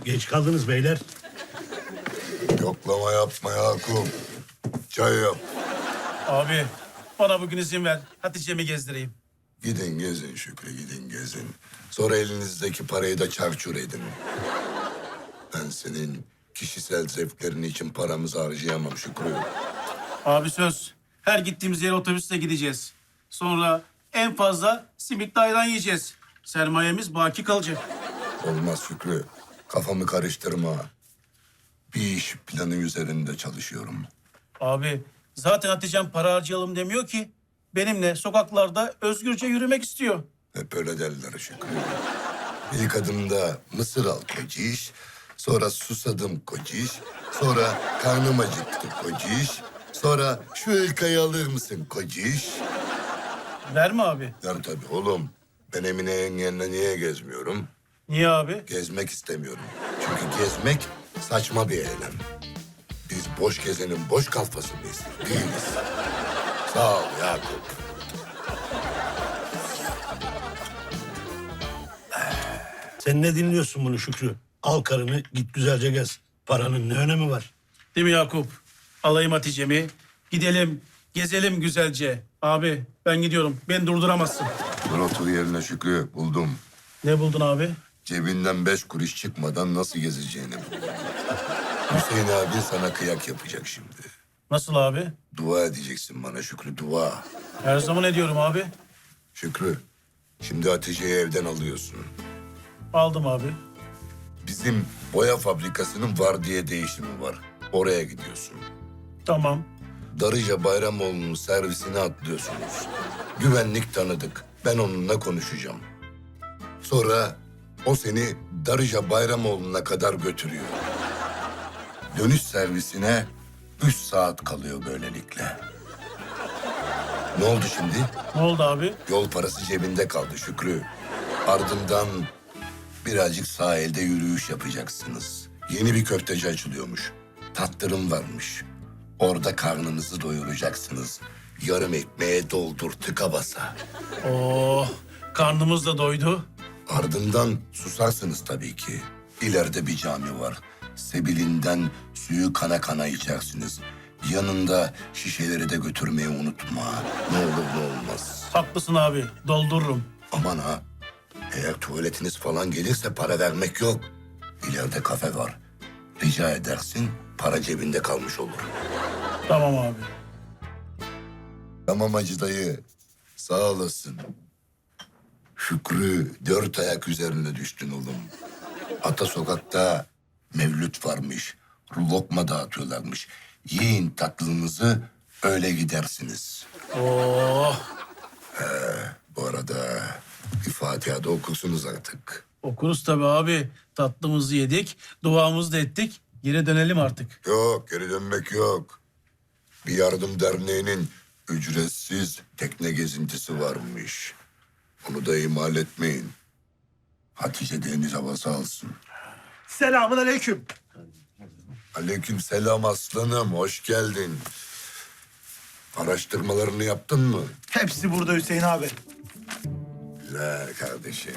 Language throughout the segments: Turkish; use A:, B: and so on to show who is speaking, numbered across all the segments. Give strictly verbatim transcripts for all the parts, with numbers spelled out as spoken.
A: Geç kaldınız beyler.
B: Yoklama yapma Yakup. Çay yap.
C: Abi bana bugün izin ver. Hatice'mi gezdireyim.
B: Gidin gezin Şükrü, gidin gezin. Sonra elinizdeki parayı da çarçur edin. Ben senin kişisel zevklerin için paramızı harcayamam Şükrü.
C: Abi söz. Her gittiğimiz yere otobüsle gideceğiz. Sonra en fazla simitli ayran yiyeceğiz. Sermayemiz baki kalacak.
B: Olmaz Şükrü. Kafamı karıştırma. Bir iş planı üzerinde çalışıyorum.
C: Abi zaten Hatice'm para harcayalım demiyor ki. Benimle sokaklarda özgürce yürümek istiyor.
B: Hep öyle derler Şükrü. İlk adımda mısır al kociş, sonra susadım kociş, sonra karnım acıktı kociş, sonra şu hırkayı alır mısın kociş?
C: Verme abi.
B: Der tabii oğlum. Ben Emine yengenle niye gezmiyorum?
C: Niye abi?
B: Gezmek istemiyorum. Çünkü gezmek saçma bir eylem. Biz boş gezenin boş kalfası mıyız? Değiliz. Sağ ol Yakup.
A: Sen ne dinliyorsun bunu Şükrü? Al karını git güzelce gez. Paranın ne önemi var?
C: Değil mi Yakup? Alayım Hatice'mi. Gidelim, gezelim güzelce. Abi ben gidiyorum. Beni durduramazsın.
B: Dur otur yerine Şükrü. Buldum.
C: Ne buldun abi?
B: Cebinden beş kuruş çıkmadan nasıl gezeceğini buldum. Hüseyin abi sana kıyak yapacak şimdi.
C: Nasıl abi?
B: Dua edeceksin bana Şükrü, dua.
C: Her zaman ediyorum abi.
B: Şükrü, şimdi Hatice'yi evden alıyorsun.
C: Aldım abi.
B: Bizim boya fabrikasının vardiya değişimi var. Oraya gidiyorsun.
C: Tamam.
B: Darıca Bayramoğlu'nun servisine atlıyorsunuz. Güvenlik tanıdık. Ben onunla konuşacağım. Sonra o seni Darıca Bayramoğlu'na kadar götürüyor. Dönüş servisine üç saat kalıyor böylelikle. Ne oldu şimdi?
C: Ne oldu abi?
B: Yol parası cebinde kaldı Şükrü. Ardından birazcık sahilde yürüyüş yapacaksınız. Yeni bir köfteci açılıyormuş. Tattırım varmış. Orada karnınızı doyuracaksınız. Yarım ekmeğe doldur tıka basa.
C: Oh, karnımız da doydu.
B: Ardından susarsınız tabii ki. İleride bir cami var. Sebilinden suyu kana kana içersiniz. Yanında şişeleri de götürmeyi unutma. Ne olur ne olmaz.
C: Haklısın abi, doldururum.
B: Aman ha. Eğer tuvaletiniz falan gelirse para vermek yok. İleride kafe var. Rica edersin, para cebinde kalmış olur.
C: Tamam abi.
B: Tamam Hacı dayı. Sağ olasın. Şükrü dört ayak üzerine düştün oğlum. Ata sokakta mevlüt varmış. Lokma dağıtıyorlarmış. Yiyin tatlınızı, öyle gidersiniz.
C: Oh,
B: Bu arada bir Fatiha da okursunuz artık.
C: okuruz tabii abi. Tatlımızı yedik, duamızı da ettik. Geri dönelim artık.
B: Yok, geri dönmek yok. Bir yardım derneğinin ücretsiz tekne gezintisi varmış. Onu da ihmal etmeyin. Hatice deniz havası alsın.
D: Selamun aleyküm.
B: Aleyküm selam aslanım, hoş geldin. Araştırmalarını yaptın mı?
D: Hepsi burada Hüseyin abi.
B: Güzel kardeşim.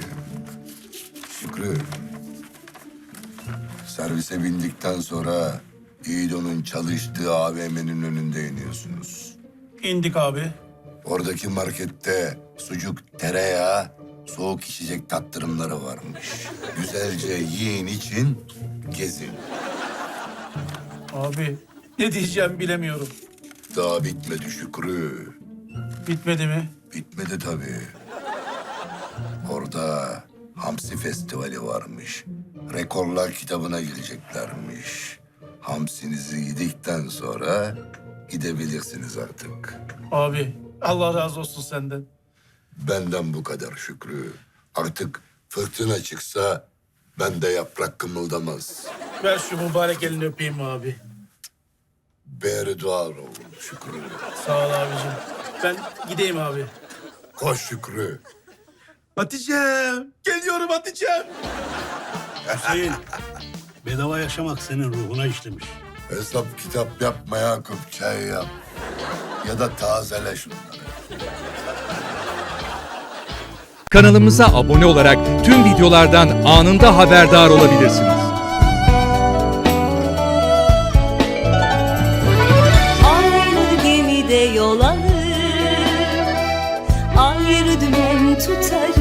B: Şükrü. Servise bindikten sonra İdo'nun çalıştığı A V M'nin önünde iniyorsunuz.
C: İndik abi.
B: Oradaki markette sucuk, tereyağı, soğuk içecek tattırımları varmış. Güzelce yiyin için gezin.
C: Abi ne diyeceğim bilemiyorum.
B: Daha bitmedi Şükrü.
C: Bitmedi mi?
B: Bitmedi tabii. Orada Hamsi Festivali varmış. Rekorlar kitabına gireceklermiş. Hamsinizi yedikten sonra gidebilirsiniz artık.
C: Abi Allah razı olsun senden.
B: Benden bu kadar Şükrü. Artık fırtına çıksa bende yaprak kımıldamaz.
C: Ver şu mübarek elini öpeyim abi.
B: Beri duar olun Şükrü.
C: Sağ ol abicim. Ben gideyim abi.
B: Koş Şükrü.
C: Hatice'm. Geliyorum Hatice'm.
A: Hüseyin, bedava yaşamak senin ruhuna işlemiş.
B: Hesap kitap yapma Yakup, çay yap. Ya da tazele şunları.
E: Kanalımıza abone olarak tüm videolardan anında haberdar olabilirsiniz. yol alır. Ayrı dümen tutarız